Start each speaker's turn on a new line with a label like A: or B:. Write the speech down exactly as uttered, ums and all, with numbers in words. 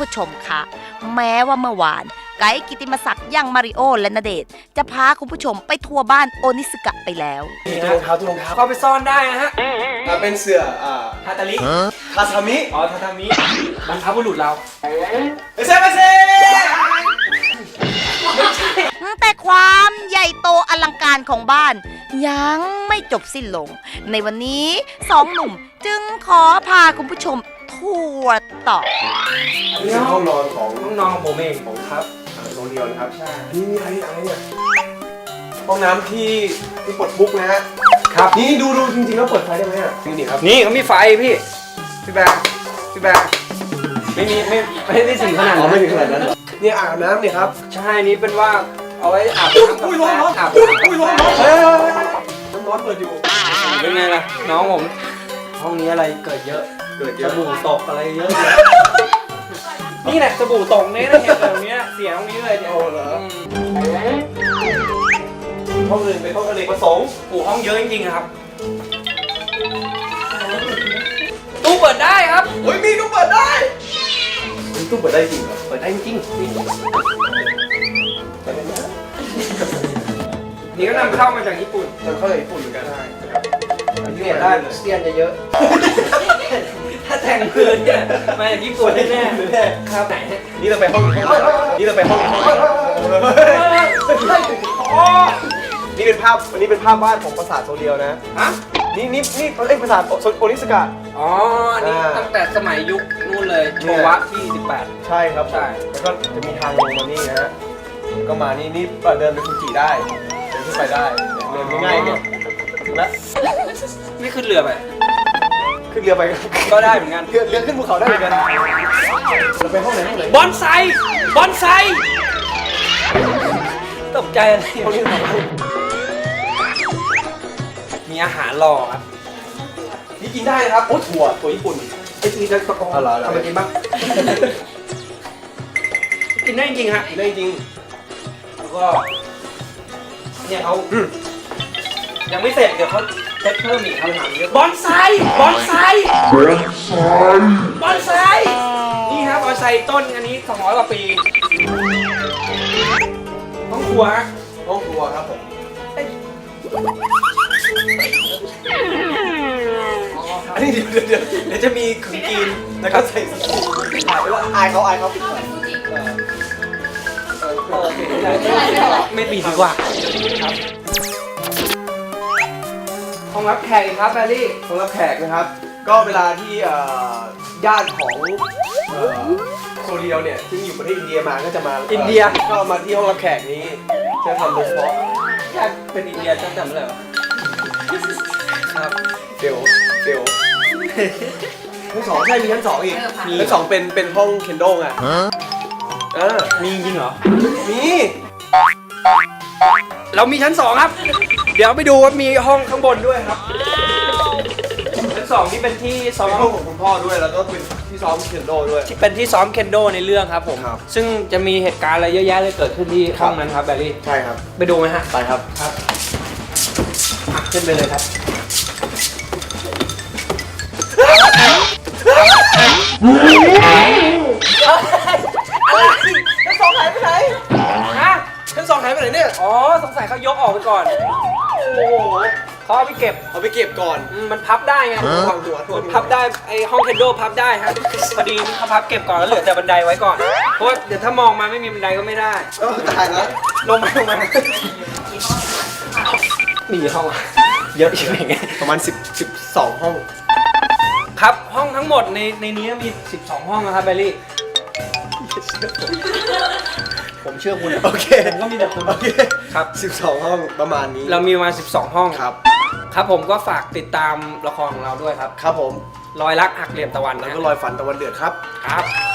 A: ผู้ชมคะแม้ว่าเมื่อวานไกด์กิติมศักดิ์ยังมาริโอและณเดชน์จะพาคุณผู้ชมไปทัวร์บ้านโอนิสกะไปแล้ว
B: นี่รองเท้าตัวรองเท้า
C: เข้าไปซ่อนได้นะฮะ
B: เป็นเสืออ่า
C: ทาตาลิ
B: คาซามิ
C: อ๋อทาตามิบรรพบุรุษเรา
B: เซ่เซ่
A: แต่ความใหญ่โตอลังการของบ้านยังไม่จบสิ้นลงในวันนี้สองหนุ่มจึงขอพาคุณผู้ชมทัวร์ต่อ
B: นี่คือห้องนอนของ
C: ห้องนอนของผมเอง
B: ของครับโรงเรียนครับใช่นี่มีอะไรอะไรเนี่ยห้องน้ำที่ที่ปลดทุกนะฮะครับนี่ดูดูจริงๆแล้วเปิดไฟได้ไหมอ่ะนี่นี่ครับ
C: นี่เขามีไฟพี่พี่แบงพี่แบงไม่มีไม่ไม่ได้ถึงขนาดนั้น
B: ไม่ถึงขนาดนั้นนี่อ่างน้ำเนี่ยครับ
C: ใช่นี่เป็นว่าเอาไว้อาบน้ำกับแฟนอาบน้ำ
B: อุ้ยร้อนร้อนเฮ้ยน้ำร้อนเปิดอยู่
C: เป็นไงล่ะน้องผมห้องนี้อะไรเกิดเยอะ
B: เกิดเย
C: ส
B: อะ
C: บู่ตกอะไรเยอะนี่แหละสบู่ตกเนี่ยนะเห็นแบบนี้เสียตรงนี้เลยเนี่ย
B: โอ้เหรอห้องอื่นเป็นห้องอเนกประสงค์
C: โอ้ห้องเยอะจริงๆครับตู้เปิดได้ครับ
B: เฮ้ยมีตู้เปิดได้ตู้เปิดได้จริงเหรอเปิดได้จริง
C: นี่ก็นำเข้ามาจากญี่ปุ่น
B: นำเข้าจากญี่ปุ่นเหมือนกันได้
C: เปลี่ยนได้เสียนจะเยอะถ้าแต่งพื้นเนี่ยมาจากญี่ปุ่นแน่ๆครับไหน
B: นี่เราไปห้องนี่เราไปห้องนี่เป็นภาพวันนี้เป็นภาพวาดของปราสาทโซเดียวนะ
C: ฮะ
B: นี่นี่นี่เอ้ยปราสาทโอนิสกะ
C: อ๋ออันนี้ตั้งแต่สมัยยุคนู่นเลยโชวะที่สิบแปด
B: ใช่ครับใช่แล้วก็จะมีทางลงมานี่นะฮะก็มานี่นี่เดินไปฟูจิได้เดินขึ้นไปได้เดินง่ายๆเนี่ยถึงแล้ว
C: นี่ขึ้นเรือไป
B: ขึ้นเรือไป
C: ก็ได้เหมือนกัน
B: เรือเรือขึ้นภูเขาได้เหมือนกันเราไปห้องไหนห้องไหน
C: บอนไซบอนไซตกใจอะไร
B: ห้องนี้ทำไม
C: มีอาหารรอครับ
B: นี่กินได้นะครับโอ้ถั่วถั่วญี่ปุ่น
C: ไอ้ทีจะตะกอง
B: ทำ
C: อะไรกินบ้างกินได้จริงฮะ
B: กินได้จริง
C: แล้วก็เนี่ยเขายังไม่เสร็จเดี๋ยวเขาเซ็ตเพิ่มอีกคำถามเยอะบอนไซบอนไซบอนไซบอนไซนี่ครับบอนไซต้นอันนี้สองร้อยกว่าปีห้องครัวฮะ
B: ห้องครัวครับผมอันนี้เดี๋ยวเดี๋ยวเดี๋ยวจะมีขึงกีนแล้วก็ใส่ถ่ายไปแล้วอายเขาอายเขา
C: ไม่ปิดดีกว่าครับห้องรับแขกครับแบลลี่
B: ห้องรับแขกนะครับก็เวลาที่ญาติของโซเดียวเนี่ยที่อยู่ประเทศอินเดียมาก็จะมา
C: อินเดีย
B: ก็มาที่ห้องรับแขกนี้จะทำโดยเฉพาะ
C: ญาติเป็นอินเดียจำจำอะไรวะครับ
B: เฟลเฟลชั้นสองใช่มีชั้นสองอีกมีชั้นสองเป็นเป็นห้องเคนโดอ่ะเออ
C: มีจริงเหรอ
B: มี
C: เรามีชั้นสองครับเดี๋ยวไปดูว่ามีห้องข้างบนด้วยครับชั้นสองนี่เป็นที่ซ้อม
B: ห้องของคุณพ่อด้วยแล้วก็เป็นที่ซ้อมเคนโดด้วย
C: เป็นที่ซ้อมเคนโดในเรื่องครับผมซึ่งจะมีเหตุการณ์อะไรเยอะแยะเลยเกิดขึ้นที่ห้องนั้นครับแบลลี่
B: ใช่ครับ
C: ไปดูไหมฮะ
B: ไปครับ
C: ครับขึ้นไปเลยครับ
B: อะไรชั้นสองหายไปไหน
C: ฮะ
B: ชั้นสองหายไปไหนเนี่ย
C: อ๋อสงสัยเขายกออกไปก่อนโอ้โหเขาเอาไปเก็บ
B: เอาไปเก็บก่อน
C: มันพับได้ไง
B: วางหัวหัว
C: พับได้ไอห้องเคนโดพับได้ฮะพอดีเขาพับเก็บก่อนแล้วเหลือแต่บันไดไว้ก่อนเพราะเดี๋ยวถ้ามองมาไม่มีบันไดก็ไม่ได้
B: ก็ตายแล้ว
C: ลงมาลงมามีห้องเยอะใช่ไหม
B: ประมาณสิบ สิบสองห้อง
C: ครับห้องทั้งหมดในในนี้มีสิบสองห้องนะครับแบลลี่ผมเชื่อคุณ
B: โอเค
C: ผมก็มีแต่คุณ
B: โอเค
C: ครับ
B: สิบสองห้องประมาณนี้
C: เรามีมาสิบสองห้อง
B: ครับ
C: ครับผมก็ฝากติดตามละครของเราด้วยครับ
B: ครับผม
C: รอยรักหักเหลี่ยมตะวัน
B: แล้วก็รอยฝันตะวันเดือดครับ
C: ครับ